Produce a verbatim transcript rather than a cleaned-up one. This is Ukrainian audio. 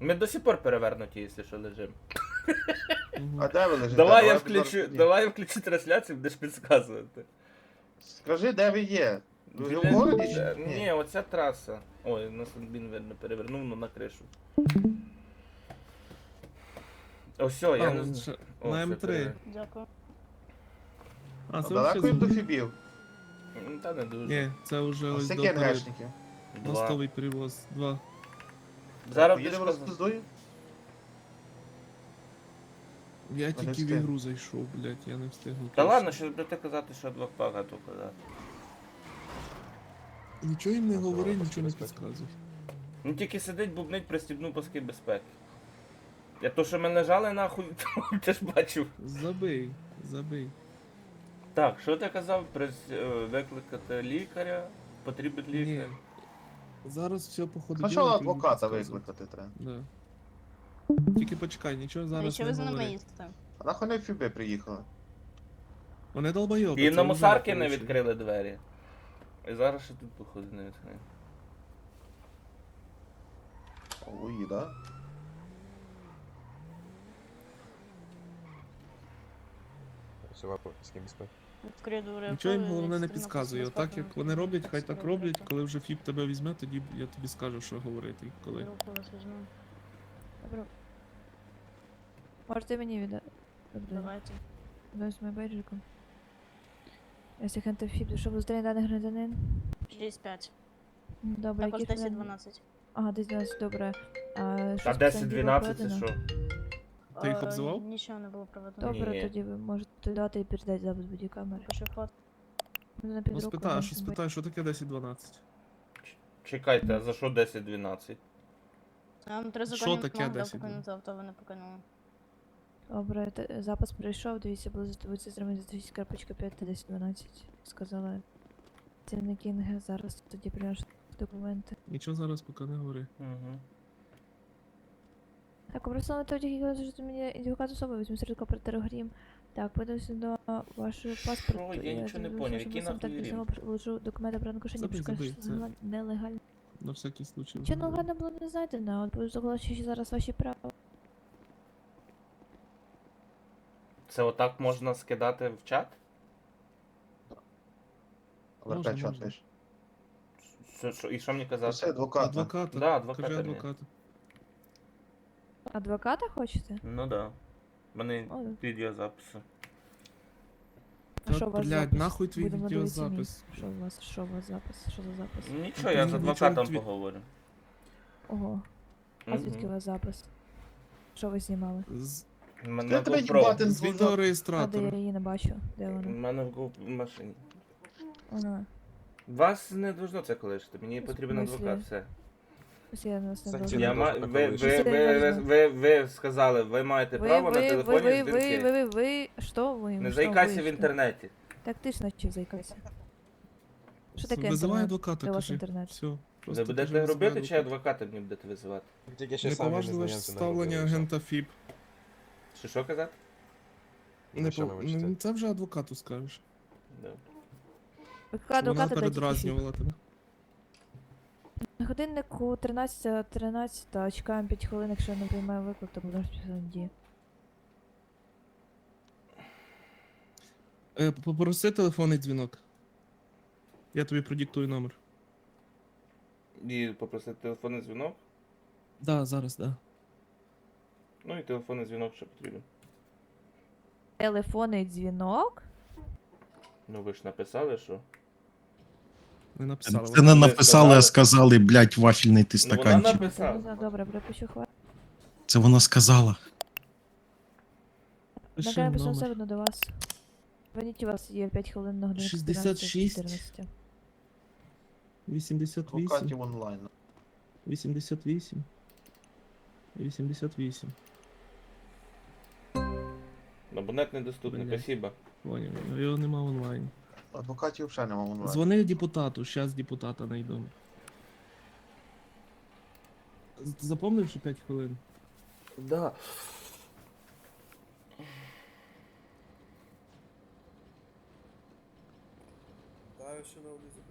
Ми до сих пор перевернуті, якщо що, лежимо. Мгм. А де ви лежите? Давай я зараз включу, тоді. давай я включу трансляцію, будеш підказувати. Скажи, де ви є? Ви Біля- в городі чи Е, ні? Ні, оця траса. Ой, нас він видно перевернув, ну на кришу. О, все, я А, не он знаю. ще- О, на все, М три. перевер- Дякую. А, А це далеко взагалі... їм до фібів? Ну, Та не дуже. Ні, це вже Ось ось до такі перед... НГшники. Два. Мостовий перевоз. Два. Зараз будеш Поїдемо казати. розпиздую? Я не тільки в встиг. ігру зайшов, блядь, я не встигну. Та точно. ладно, що будете казати, що два багато казати. Нічого їм не Ну, це говори, паски нічого не безпеки. підказуй. Ну тільки сидить, бубнить, пристібну паски безпеки. Я то, що ми лежали нахуй, то ти ж бачив. Забий, забий. Так, що ти казав? Прис... е, Викликати лікаря? Потрібен Ні. лікар? Зараз все походу. Спочатку діло, тобі адвоката підказують. викликати треба. Да. Тільки почекай, нічого А зараз що не ви за нами говори. їздите? А нахуй не фіби приїхали? Вони долбойоби. І це на вже мусарки не порушення. відкрили двері. І зараз ще тут, походу, не відкриє. Ой, да? Працював паски безпеки. Відкрию Нічого їм головне не підказує. Отак як вони роблять, хай так роблять. Коли вже фіп тебе візьме, тоді я тобі скажу, що говорити. і Коли. Руку вас візьму. Добре. Можете мені віддати? Добре. Давайте. Ось моє бейджиком. Якщо хентов фіп, що зустріне даний громадянин? шість п'ять. Добре, Також який десять філін? дванадцять. Ага, десь дванадцять, добре. А, що А з десять питань дванадцять це було що? проведено? Ти їх Е, обзивав? Нічого не було проведено. Ні. Добре, тоді ви можете дати і передати запис бодікамери. Пишу фото. Ну, на Ну підруку спитай, а що можна спитай, що таке десять дванадцять? Чекайте, а за що десять дванадцять? Я вам три Що законні таке вимоги дав десять покинути авто, ви не покинули. бути. Добре, те- запис прийшов, дивіться, було затовується з ремонт п'ять та десять дванадцять. Сказала Тіна Кінге, зараз тоді приношу документи. Нічого зараз поки не говори. Угу. Так, просто на тоді, як що мені ідентифікат особи, візьму серед оператора Грім. Так, подивимося до вашого паспорту. Що? Я нічого не думаю, поняв, що який ви сам нахуй так Грім? само приложу документи про нарушення, Забий, пошукаю, забий, що це- це неле- нелегально. На всякий случай. Чи нелегально було не знайдено, от буду заголошуючи зараз ваші права. Це отак можна скидати в чат? Але Можна, опять що можна. пиш? Що, що, і що мені Це казати? адвоката. Адвоката. Да, адвоката Кажи мені. адвоката. Адвоката хочете? Ну да. У мене О, відеозаписи. а що у Та, вас блядь, запис? нахуй твій Будемо дивитися мій. відеозапис. Що у вас, що у вас запис? Що за запис? Нічого, я з Нічого, адвокатом тві- поговорю. Ого, а звідки у Мгм. вас запис? Що ви знімали? З, У мене Я в тебе GoPro. їбати з не знав. А де відеореєстратора. я її не бачу? Де У вона? мене в Go в машині. Ага. Вас не должно це колишити, мені В потрібен смислі? адвокат, все. Ось я нас не Це бачу. ті- Я не ма... должно ви, ви, колишити. ви, ви, Серйозно? ви, ви сказали, ви маєте Ви, право на ви, ви, телефонні ви, ви, дзвінки. ви, ви, ви, що ви? Не Що заїкайся ви, в що? інтернеті. Так ти ж наче заїкайся. Що таке Визивай інтернет? адвоката, Де у вас кажи. інтернет? Все. Ви Просто будете кажи, робити, визивай чи адвоката. адвоката мені будете визивати? Тільки ще самі Неповажливе незнайомці не ставлення робили, агента ФІП. Що що казати? все. Не Ну, що по... ви вичите? ну, Це вже адвокату скажеш. Да. Яка Щоб вона адвоката дайте передразнювала тебе. На годиннику тринадцята тринадцята, чекаємо п'ять хвилин, якщо я не приймаю виклик, то будемо співати дії. Е, попроси телефонний дзвінок. Я тобі продиктую номер. І попросити телефонний дзвінок. Да, зараз, да. Ну і телефонний дзвінок ще потрібен. Телефонний дзвінок? Ну ви ж написали, що. Не написала. Це не написали, а сказали, блядь, вафельний ти Ну вона стаканчик. написала. Добре, припущу хвилин. Це вона сказала. Пиши Нагадаю, писав все номер. одно до вас. Звоніть, у вас є п'ять хвилин на годинку шістдесят шість. чотирнадцять. вісімдесят вісім. Адвокатів онлайн. вісімдесят вісім. вісімдесят вісім. Абонент недоступний, Блядь. спасибо. Поняв, його нема онлайн. Адвокатів взагалі нема онлайн. Дзвони депутату, щас депутата найду. З- Запомнив, що п'ять хвилин? Да. Да, я ще на вулиці.